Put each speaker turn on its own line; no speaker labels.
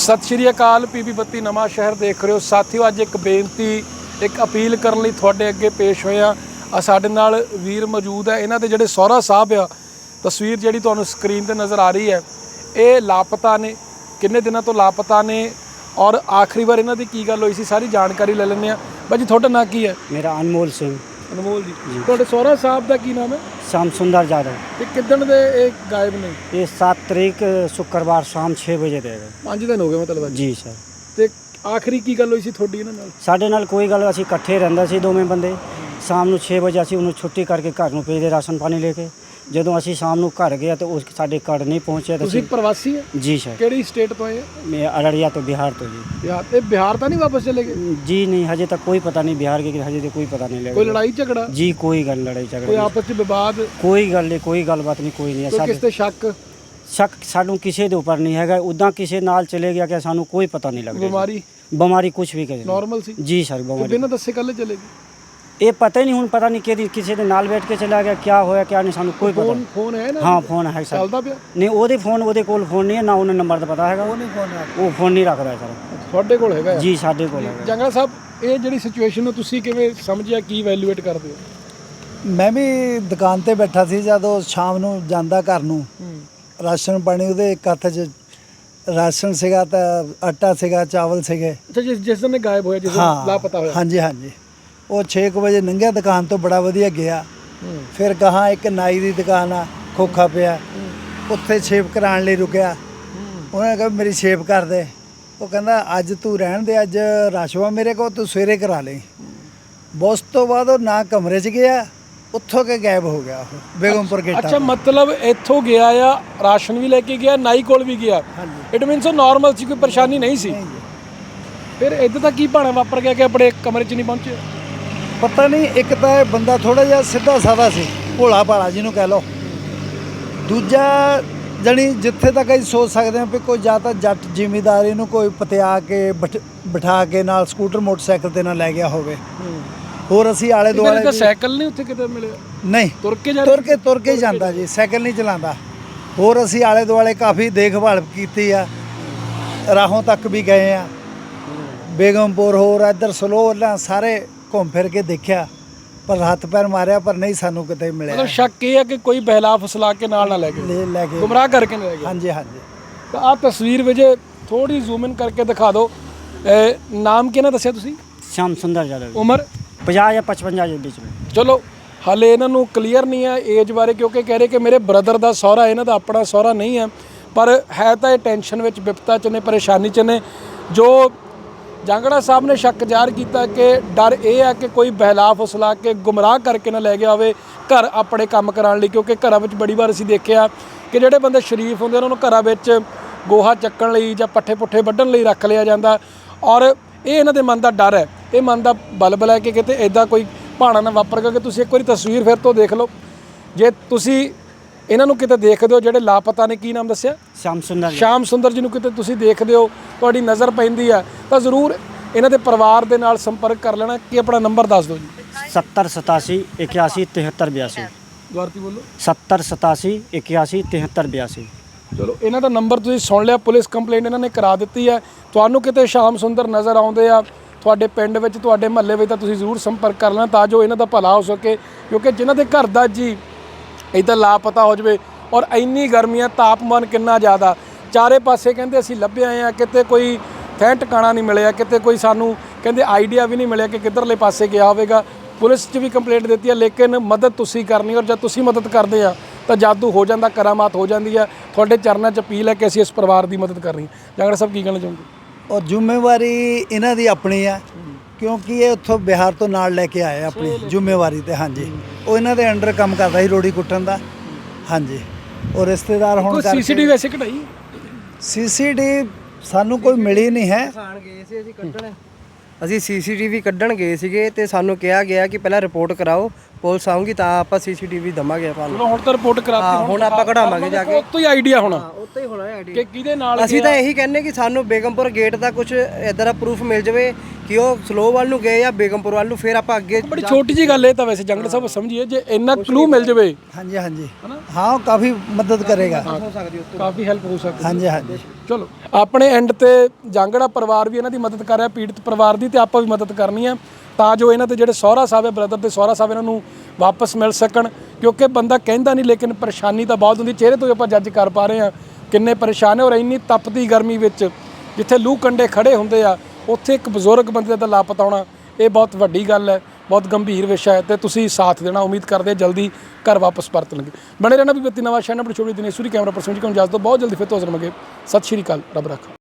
सत श्री अकाल। पीबी 32 नवां शहर देख रहे हो साथियों। अज एक बेनती एक अपील करने लई तुहाडे अगे पेश होए आ। साडे नाल वीर मौजूद है। इन्हां दे जिहड़े सौहरा साहब आ, तस्वीर जिहड़ी तुहानूं स्क्रीन ते नज़र आ रही है, ये लापता ने, किन्ने दिनों तो लापता ने और आखिरी बार इन्हां दी की गल होई सी सारी जानकारी ले लैंदे आ। भाई जी तुहाडा नाम की है?
मेरा अनमोल सिंह।
अनमोल जी, तुहाडे सौहरा साहब दा की नाम है?
श्याम सुंदर यादव।
ते किदण दे ये गायब ने?
ये 7 तारीख शुक्रवार शाम 6 वजे दे गए।
5 दिन हो गए मतलब?
जी सर।
ਤੇ ਆਖਰੀ ਕੀ ਗੱਲ ਹੋਈ ਸੀ ਤੁਹਾਡੀ ਇਹਨਾਂ ਨਾਲ?
ਸਾਡੇ ਨਾਲ ਕੋਈ ਗੱਲ, ਅਸੀਂ ਇਕੱਠੇ ਰਹਿੰਦੇ ਸੀ ਦੋਵੇਂ ਬੰਦੇ। ਸ਼ਾਮ ਨੂੰ 6 ਵਜੇ ਅਸੀਂ ਉਹਨੂੰ ਛੁੱਟੀ ਕਰਕੇ ਘਰ ਨੂੰ ਭੇਜਦੇ ਰਾਸ਼ਨ ਪਾਣੀ ਲੈ ਕੇ। ਜਦੋਂ ਅਸੀਂ ਸ਼ਾਮ ਨੂੰ ਘਰ ਗਏ ਤਾਂ ਉਹ ਸਾਡੇ ਘਰ ਨਹੀਂ ਪਹੁੰਚਿਆ।
ਤੁਸੀਂ ਪ੍ਰਵਾਸੀ ਹੈ?
ਜੀ ਸਰ।
ਕਿਹੜੀ ਸਟੇਟ ਤੋਂ ਆਏ?
ਮੈਂ ਅਰੜੀਆ ਤੋਂ, ਬਿਹਾਰ ਤੋਂ ਜੀ।
ਬਿਹਾਰ? ਤੇ ਬਿਹਾਰ ਤਾਂ ਨਹੀਂ ਵਾਪਸ ਚਲੇ ਗਏ?
ਜੀ ਨਹੀਂ, ਹਜੇ ਤੱਕ ਕੋਈ ਪਤਾ ਨਹੀਂ ਬਿਹਾਰ ਕੇ, ਹਜੇ ਤੱਕ ਕੋਈ ਪਤਾ ਨਹੀਂ ਲੱਗਾ।
ਕੋਈ ਲੜਾਈ ਝਗੜਾ?
ਜੀ ਕੋਈ ਗੱਲ ਲੜਾਈ
ਕੋਈ
ਝਗੜਾ,
ਆਪਸ ਵਿੱਚ ਵਿਵਾਦ?
ਕੋਈ ਗੱਲ ਨਹੀਂ, ਕੋਈ ਗੱਲਬਾਤ ਨਹੀਂ, ਕੋਈ ਨਹੀਂ।
ਕੋਈ ਕਿਸ ਤੇ ਸ਼ੱਕ?
ਸ਼ੱਕ ਸਾਨੂੰ ਕਿਸੇ ਦੇ ਉੱਪਰ ਨਹੀਂ ਹੈਗਾ। ਉੱਦਾਂ ਕਿਸੇ ਨਾਲ ਚਲੇ ਗਿਆ ਕਿ ਸਾਨੂੰ ਕੋਈ ਪਤਾ ਨਹੀਂ ਲੱਗਦਾ। ਬਿਮਾਰੀ ਕੁਝ ਵੀ ਕਰੇ
ਨਾਰਮਲ ਸੀ? ਜੀ
ਸਰ। ਬਿਮਾਰੀ
ਬਿਨਾਂ ਦੱਸੇ ਕੱਲੇ ਚਲੇ ਗਏ?
ਇਹ ਪਤਾ ਹੀ ਨਹੀਂ, ਹੁਣ ਪਤਾ ਨਹੀਂ ਕਿਹਦੀ ਕਿਸੇ ਦੇ ਨਾਲ ਬੈਠ ਕੇ ਚਲਾ ਗਿਆ, ਕੀ ਹੋਇਆ ਕੀ ਨਹੀਂ, ਸਾਨੂੰ ਕੋਈ ਪਤਾ।
ਫੋਨ ਹੈ ਨਾ?
ਹਾਂ ਫੋਨ ਹੈ ਸਰ।
ਚੱਲਦਾ ਪਿਆ?
ਨਹੀਂ, ਉਹਦੇ ਕੋਲ ਫੋਨ ਨਹੀਂ ਹੈ, ਨਾ ਉਹਨੂੰ ਨੰਬਰ ਦਾ ਪਤਾ ਹੈਗਾ। ਉਹ ਫੋਨ ਨਹੀਂ ਰੱਖਦਾ ਸਰ।
ਤੁਹਾਡੇ ਕੋਲ ਹੈਗਾ?
ਜੀ ਸਾਡੇ ਕੋਲ ਹੈਗਾ।
ਜੰਗਲ ਸਾਹਿਬ, ਇਹ ਜਿਹੜੀ ਸਿਚੁਏਸ਼ਨ ਨੂੰ ਤੁਸੀਂ ਕਿਵੇਂ ਸਮਝਿਆ, ਕੀ ਵੈਲਿਊਏਟ ਕਰਦੇ ਹੋ?
ਮੈਂ ਵੀ ਦੁਕਾਨ ਤੇ ਬੈਠਾ ਸੀ, ਜਦੋਂ ਸ਼ਾਮ ਨੂੰ ਜਾਂਦਾ ਘਰ ਨੂੰ, ਰਾਸ਼ਨ ਪਾਣੀ ਉਹਦੇ ਇੱਕ ਹੱਥ 'ਚ ਰਾਸ਼ਨ ਸੀਗਾ ਤਾਂ ਆਟਾ ਸੀਗਾ, ਚਾਵਲ ਸੀਗੇ।
ਅੱਛਾ, ਜਿਸ ਦਿਨ ਇਹ ਗਾਇਬ ਹੋਇਆ, ਜਿਸ ਦਿਨ ਲਾਪਤਾ ਹੋਇਆ?
ਹਾਂਜੀ ਹਾਂਜੀ। ਉਹ 6 ਵਜੇ ਲੰਘਿਆ ਦੁਕਾਨ ਤੋਂ, ਬੜਾ ਵਧੀਆ ਗਿਆ। ਫਿਰ ਗਾਹਾਂ ਇੱਕ ਨਾਈ ਦੀ ਦੁਕਾਨ ਆ, ਖੋਖਾ ਪਿਆ, ਉੱਥੇ ਸ਼ੇਪ ਕਰਾਉਣ ਲਈ ਰੁਕਿਆ। ਉਹਨੇ ਕਿਹਾ ਮੇਰੀ ਸ਼ੇਪ ਕਰ ਦੇ। ਉਹ ਕਹਿੰਦਾ ਅੱਜ ਤੂੰ ਰਹਿਣ ਦੇ, ਅੱਜ ਰਸ਼ਵਾ ਮੇਰੇ ਕੋਲ, ਤੂੰ ਸਵੇਰੇ ਕਰਾ ਲਈ। ਉਸ ਤੋਂ ਬਾਅਦ ਉਹ ਨਾ ਕਮਰੇ 'ਚ ਗਿਆ, ਉੱਥੋਂ ਕੇ ਗਾਇਬ ਹੋ ਗਿਆ ਉਹ ਬੇਗਮਪੁਰ ਗੇਟ।
ਅੱਛਾ, ਮਤਲਬ ਇੱਥੋਂ ਗਿਆ ਆ, ਰਾਸ਼ਨ ਵੀ ਲੈ ਕੇ ਗਿਆ, ਨਾਈ ਕੋਲ ਵੀ ਗਿਆ। ਇਟ ਮੀਨਸ ਉਹ ਨਾਰਮਲ ਸੀ, ਕੋਈ ਪਰੇਸ਼ਾਨੀ ਨਹੀਂ ਸੀ। ਫਿਰ ਇੱਦਾਂ ਤਾਂ ਕੀ ਭਾਣਾ ਵਾਪਰ ਗਿਆ ਕਿ ਆਪਣੇ ਕਮਰੇ 'ਚ ਨਹੀਂ ਪਹੁੰਚੇ?
ਪਤਾ ਨਹੀਂ, ਇੱਕ ਤਾਂ ਇਹ ਬੰਦਾ ਥੋੜਾ ਜਿਹਾ ਸਿੱਧਾ ਸਾਦਾ ਸੀ, ਭੋਲਾ ਭਾਲਾ ਜਿਹਨੂੰ ਕਹਿ ਲਓ। ਦੂਜਾ ਜਾਣੀ ਜਿੱਥੇ ਤੱਕ ਅਸੀਂ ਸੋਚ ਸਕਦੇ ਹਾਂ ਵੀ ਕੋਈ ਜਾਂ ਤਾਂ ਜੱਟ ਜ਼ਿਮੀਂਦਾਰੀ ਨੂੰ ਕੋਈ ਪਤਿਆ ਕੇ ਬਿਠਾ ਕੇ ਨਾਲ ਸਕੂਟਰ ਮੋਟਰਸਾਈਕਲ ਤੇ ਨਾ ਲੈ ਗਿਆ ਹੋਵੇ। ਹੋਰ ਅਸੀਂ ਆਲੇ ਦੁਆਲੇ
ਤਾਂ ਸਾਈਕਲ ਨਹੀਂ ਉੱਥੇ ਕਿਤੇ ਮਿਲਿਆ?
ਨਹੀਂ, ਤੁਰ ਕੇ ਜਾਂਦਾ ਜੀ, ਸਾਈਕਲ ਨਹੀਂ ਚਲਾਉਂਦਾ। ਹੋਰ ਅਸੀਂ ਆਲੇ ਦੁਆਲੇ ਕਾਫੀ ਦੇਖਭਾਲ ਕੀਤੀ ਆ, ਰਾਹੋਂ ਤੱਕ ਵੀ ਗਏ ਆ, ਬੇਗਮਪੁਰ ਹੋਰ ਇੱਧਰ ਸਲੋਹ ਸਾਰੇ ਘੁੰਮ ਫਿਰ ਕੇ ਦੇਖਿਆ, ਪਰ ਹੱਥ ਪੈਰ ਮਾਰਿਆ, ਪਰ ਨਹੀਂ ਸਾਨੂੰ ਕਿਤੇ ਮਿਲਿਆ।
ਮਤਲਬ ਸ਼ੱਕ ਇਹ ਹੈ ਕਿ ਕੋਈ ਬਹਿਲਾ ਫਸਲਾ ਕੇ ਨਾਲ ਨਾ ਲੈ ਗਏ, ਗੁੰਮਰਾਹ ਕਰਕੇ ਨਾ ਲੈ ਗਏ।
ਹਾਂਜੀ ਹਾਂਜੀ।
ਤਾਂ ਆਹ ਤਸਵੀਰ ਵਿੱਚ ਥੋੜੀ ਜ਼ੂਮ ਇਨ ਕਰਕੇ ਦਿਖਾ ਦਿਓ। ਨਾਮ ਕਿਹਨਾਂ ਦੱਸਿਆ ਤੁਸੀਂ?
श्याम सुंदर यादव।
ਉਮਰ
50 या 55 के बीच में।
ਚਲੋ ਹਾਲੇ ਇਹਨਾਂ ਨੂੰ ਕਲੀਅਰ ਨਹੀਂ ਹੈ ਏਜ ਬਾਰੇ, ਕਿਉਂਕਿ ਕਹਿ ਰਹੇ ਕਿ ਮੇਰੇ ਬ੍ਰਦਰ ਦਾ ਸਹੁਰਾ, ਇਹਨਾਂ ਦਾ ਆਪਣਾ ਸਹੁਰਾ ਨਹੀਂ ਹੈ। ਪਰ ਹੈ ਤਾਂ ਇਹ ਟੈਨਸ਼ਨ ਵਿੱਚ, ਵਿਪਤਾ 'ਚ ਨੇ, ਪਰੇਸ਼ਾਨੀ 'ਚ ਨੇ। ਜੋ ਜਾਂਗੜਾ ਸਾਹਿਬ ਨੇ ਸ਼ੱਕ ਜ਼ਾਹਰ ਕੀਤਾ ਕਿ ਡਰ ਇਹ ਹੈ ਕਿ ਕੋਈ ਬਹਿਲਾ ਫੁਸਲਾ ਕੇ ਗੁੰਮਰਾਹ ਕਰਕੇ ਨਾ ਲੈ ਗਿਆ ਹੋਵੇ ਘਰ ਆਪਣੇ ਕੰਮ ਕਰਾਉਣ ਲਈ। ਕਿਉਂਕਿ ਘਰਾਂ ਵਿੱਚ ਬੜੀ ਵਾਰ ਅਸੀਂ ਦੇਖਿਆ ਕਿ ਜਿਹੜੇ ਬੰਦੇ ਸ਼ਰੀਫ ਹੁੰਦੇ ਉਹਨਾਂ ਨੂੰ ਘਰਾਂ ਵਿੱਚ ਗੋਹਾ ਚੱਕਣ ਲਈ ਜਾਂ ਪੱਠੇ ਪੁੱਠੇ ਵੱਢਣ ਲਈ ਰੱਖ ਲਿਆ ਜਾਂਦਾ। ਔਰ ਇਹ ਇਹਨਾਂ ਦੇ ਮਨ ਦਾ ਡਰ ਹੈ, ਇਹ ਮਨ ਦਾ ਬਲਬਲ ਹੈ ਕਿ ਕਿਤੇ ਇੱਦਾਂ ਕੋਈ ਭਾਣਾ ਨਾ ਵਾਪਰ ਗਿਆ। ਕਿ ਤੁਸੀਂ ਇੱਕ ਵਾਰੀ ਤਸਵੀਰ ਫਿਰ ਤੋਂ ਦੇਖ ਲਓ। ਜੇ ਤੁਸੀਂ ਇਹਨਾਂ ਨੂੰ ਕਿਤੇ ਦੇਖਦੇ ਹੋ, ਜਿਹੜੇ ਲਾਪਤਾ ਨੇ, ਕੀ ਨਾਮ ਦੱਸਿਆ?
श्याम सुंदर।
ਸ਼ਾਮ ਸੁੰਦਰ ਜੀ ਨੂੰ ਕਿਤੇ ਤੁਸੀਂ ਦੇਖਦੇ ਹੋ, ਤੁਹਾਡੀ ਨਜ਼ਰ ਪੈਂਦੀ ਆ, ਤਾਂ ਜ਼ਰੂਰ ਇਹਨਾਂ ਦੇ ਪਰਿਵਾਰ ਦੇ ਨਾਲ ਸੰਪਰਕ ਕਰ ਲੈਣਾ। ਕਿ ਆਪਣਾ ਨੰਬਰ ਦੱਸ ਦਿਓ ਜੀ।
70 87 81 73 82।
ਦੁਬਾਰਾ ਬੋਲੋ।
70 87 81 73 82।
ਚਲੋ, ਇਹਨਾਂ ਦਾ ਨੰਬਰ ਤੁਸੀਂ ਸੁਣ ਲਿਆ। ਪੁਲਿਸ ਕੰਪਲੇਂਟ ਇਹਨਾਂ ਨੇ ਕਰਾ ਦਿੱਤੀ ਹੈ। ਤੁਹਾਨੂੰ ਕਿਤੇ ਸ਼ਾਮ ਸੁੰਦਰ ਨਜ਼ਰ ਆਉਂਦੇ ਆ ਤੁਹਾਡੇ ਪਿੰਡ ਵਿੱਚ, ਤੁਹਾਡੇ ਮਹੱਲੇ ਵਿੱਚ, ਤਾਂ ਤੁਸੀਂ ਜ਼ਰੂਰ ਸੰਪਰਕ ਕਰ ਲੈਣਾ ਤਾਂ ਜੋ ਇਹਨਾਂ ਦਾ ਭਲਾ ਹੋ ਸਕੇ। ਕਿਉਂਕਿ ਜਿਨ੍ਹਾਂ ਦੇ ਘਰ ਦਾ ਜੀ ਇੱਦਾਂ ਲਾਪਤਾ ਹੋ ਜਾਵੇ, ਔਰ ਇੰਨੀ ਗਰਮੀਆਂ, ਤਾਪਮਾਨ ਕਿੰਨਾ ਜ਼ਿਆਦਾ, ਚਾਰੇ ਪਾਸੇ ਕਹਿੰਦੇ ਅਸੀਂ ਲੱਭੇ ਆਏ ਆ, ਕਿਤੇ ਕੋਈ ਥੈਂ ਟਿਕਾਣਾ ਨਹੀਂ ਮਿਲਿਆ, ਕਿਤੇ ਕੋਈ ਸਾਨੂੰ ਕਹਿੰਦੇ ਆਈਡੀਆ ਵੀ ਨਹੀਂ ਮਿਲਿਆ ਕਿ ਕਿੱਧਰਲੇ ਪਾਸੇ ਗਿਆ ਹੋਵੇਗਾ। ਪੁਲਿਸ 'ਚ ਵੀ ਕੰਪਲੇਂਟ ਦਿੱਤੀ ਹੈ, ਲੇਕਿਨ ਮਦਦ ਤੁਸੀਂ ਕਰਨੀ, ਔਰ ਜਦ ਤੁਸੀਂ ਮਦਦ ਕਰਦੇ ਆ ਤਾਂ ਜਾਦੂ ਹੋ ਜਾਂਦਾ, ਕਰਾਮਾਤ ਹੋ ਜਾਂਦੀ ਹੈ। ਤੁਹਾਡੇ ਚਰਨਾਂ 'ਚ ਅਪੀਲ ਹੈ ਕਿ ਅਸੀਂ ਇਸ ਪਰਿਵਾਰ ਦੀ ਮਦਦ ਕਰਨੀ। ਜਾਂਗੜਾ ਸਾਹਿਬ ਕੀ ਕਹਿਣਾ ਚਾਹੋਗੇ?
ਔਰ ਜ਼ਿੰਮੇਵਾਰੀ ਇਹਨਾਂ ਦੀ ਆਪਣੀ ਆ, ਕਿਉਂਕਿ ਇਹ ਉੱਥੋਂ ਬਿਹਾਰ ਤੋਂ ਨਾਲ ਲੈ ਕੇ ਆਏ ਆਪਣੀ ਜ਼ਿੰਮੇਵਾਰੀ ਤੇ। ਹਾਂਜੀ, ਉਹ ਇਹਨਾਂ ਦੇ ਅੰਡਰ ਕੰਮ ਕਰਦਾ ਸੀ, ਰੋੜੀ ਕੁੱਟਣ ਦਾ। ਹਾਂਜੀ, ਉਹ ਰਿਸ਼ਤੇਦਾਰ ਹੋਣ ਕਰਕੇ
ਸੀਸੀਟੀਵੀ ਵੈਸੇ ਕਢਾਈ?
ਸੀਸੀਟੀਵੀ ਸਾਨੂੰ ਕੋਈ ਮਿਲੀ ਨਹੀਂ ਹੈ।
ਅਸੀਂ ਸੀਸੀਟੀਵੀ ਕੱਢਣ ਗਏ ਸੀਗੇ ਤੇ ਸਾਨੂੰ ਕਿਹਾ ਗਿਆ ਕਿ ਪਹਿਲਾਂ ਰਿਪੋਰਟ ਕਰਾਓ, ਪੁਲਿਸ ਆਊਗੀ ਤਾਂ ਆਪਾਂ ਸੀਸੀਟੀਵੀ ਦਵਾਂਗੇ ਤੁਹਾਨੂੰ।
ਹੁਣ ਤਾਂ ਰਿਪੋਰਟ ਕਰਾਤੀ,
ਹੁਣ ਆਪਾਂ ਕਢਾਵਾਂਗੇ ਜਾ ਕੇ।
ਉੱਤੋਂ ਹੀ ਆਈਡੀਆ ਹੋਣਾ,
ਉੱਤੇ ਹੀ ਹੋਣਾ ਆਈਡੀ
ਕਿ ਕਿਹਦੇ ਨਾਲ
ਅਸੀਂ ਤਾਂ ਇਹੀ ਕਹਿੰਨੇ ਕਿ ਸਾਨੂੰ ਬੇਗਮਪੁਰ ਗੇਟ ਦਾ ਕੁਝ ਇਦਾਂ ਦਾ ਪ੍ਰੂਫ ਮਿਲ ਜਾਵੇ ਕਿ ਉਹ ਸਲੋ ਵੱਲ ਨੂੰ ਗਏ ਜਾਂ ਬੇਗਮਪੁਰ ਵੱਲ ਨੂੰ, ਫਿਰ ਆਪਾਂ ਅੱਗੇ
ਬੜੀ ਛੋਟੀ ਜੀ ਗੱਲ ਇਹ ਤਾਂ ਵੈਸੇ ਜੰਗੜ ਸਾਹਿਬ ਸਮਝੀਏ, ਜੇ ਇੰਨਾ ਕਲੂ ਮਿਲ ਜਾਵੇ
ਹਾਂਜੀ ਹਾਂਜੀ ਹਾਂ, ਉਹ ਕਾਫੀ ਮਦਦ ਕਰੇਗਾ।
ਹੋ ਸਕਦੀ ਉੱਥੇ।
ਕਾਫੀ ਹੈਲਪ ਹੋ ਸਕਦੀ।
ਹਾਂਜੀ ਹਾਂਜੀ
ਚਲੋ ਆਪਣੇ ਐਂਡ ਤੇ ਜਾਂਗੜਾ ਪਰਿਵਾਰ ਵੀ ਇਹਨਾਂ ਦੀ ਮਦਦ ਕਰ ਰਿਹਾ, ਪੀੜਤ ਪਰਿਵਾਰ ਦੀ, ਤੇ ਆਪਾਂ ਵੀ ਮਦਦ ਕਰਨੀ ਹੈ ਤਾਂ ਜੋ ਇਹਨਾਂ ਦੇ ਜਿਹੜੇ ਸਹੁਰਾ ਸਾਹਿਬ ਹੈ, ਬ੍ਰਦਰ ਦੇ ਸਹੁਰਾ ਸਾਹਿਬ, ਇਹਨਾਂ ਨੂੰ ਵਾਪਸ ਮਿਲ ਸਕਣ। ਕਿਉਂਕਿ ਬੰਦਾ ਕਹਿੰਦਾ ਨਹੀਂ, ਲੇਕਿਨ ਪਰੇਸ਼ਾਨੀ ਤਾਂ ਬਹੁਤ ਹੁੰਦੀ। ਚਿਹਰੇ ਤੋਂ ਆਪਾਂ ਜੱਜ ਕਰ ਪਾ ਰਹੇ ਹਾਂ ਕਿੰਨੇ ਪਰੇਸ਼ਾਨ ਹੈ। ਔਰ ਇੰਨੀ ਤਪਦੀ ਗਰਮੀ ਵਿੱਚ ਜਿੱਥੇ ਲੂਹ ਕੰਡੇ ਖੜੇ ਹੁੰਦੇ ਆ, ਉੱਥੇ ਇੱਕ ਬਜ਼ੁਰਗ ਬੰਦੇ ਦਾ ਲਾਪਤਾ ਹੋਣਾ, ਇਹ ਬਹੁਤ ਵੱਡੀ ਗੱਲ ਹੈ, ਬਹੁਤ ਗੰਭੀਰ ਵਿਸ਼ਾ ਹੈ, ਤੇ ਤੁਸੀਂ ਸਾਥ ਦੇਣਾ। ਉਮੀਦ ਕਰਦੇ ਜਲਦੀ ਘਰ ਵਾਪਸ ਪਰਤਣਗੇ। ਬਣੇ ਰਹਿਣਾ ਵੀ ਬੱਤੀ ਨਵਾਂ ਸ਼ਹਿਰ, ਆਪਣੀ ਛੋਟੀ ਦਿਨੇਸ਼ਵਰੀ ਕੈਮਰਾ ਪਰਸਨ ਜੀ ਕੋਲ ਇਜਾਜ਼ਤ ਦਿਓ। ਬਹੁਤ ਜਲਦੀ ਫਿਰ ਤੋਂ ਹਾਜ਼ਰ ਹੋਵਾਂਗੇ। ਸਤਿ ਸ਼੍ਰੀ ਅਕਾਲ, ਰੱਬ ਰੱਖਾ।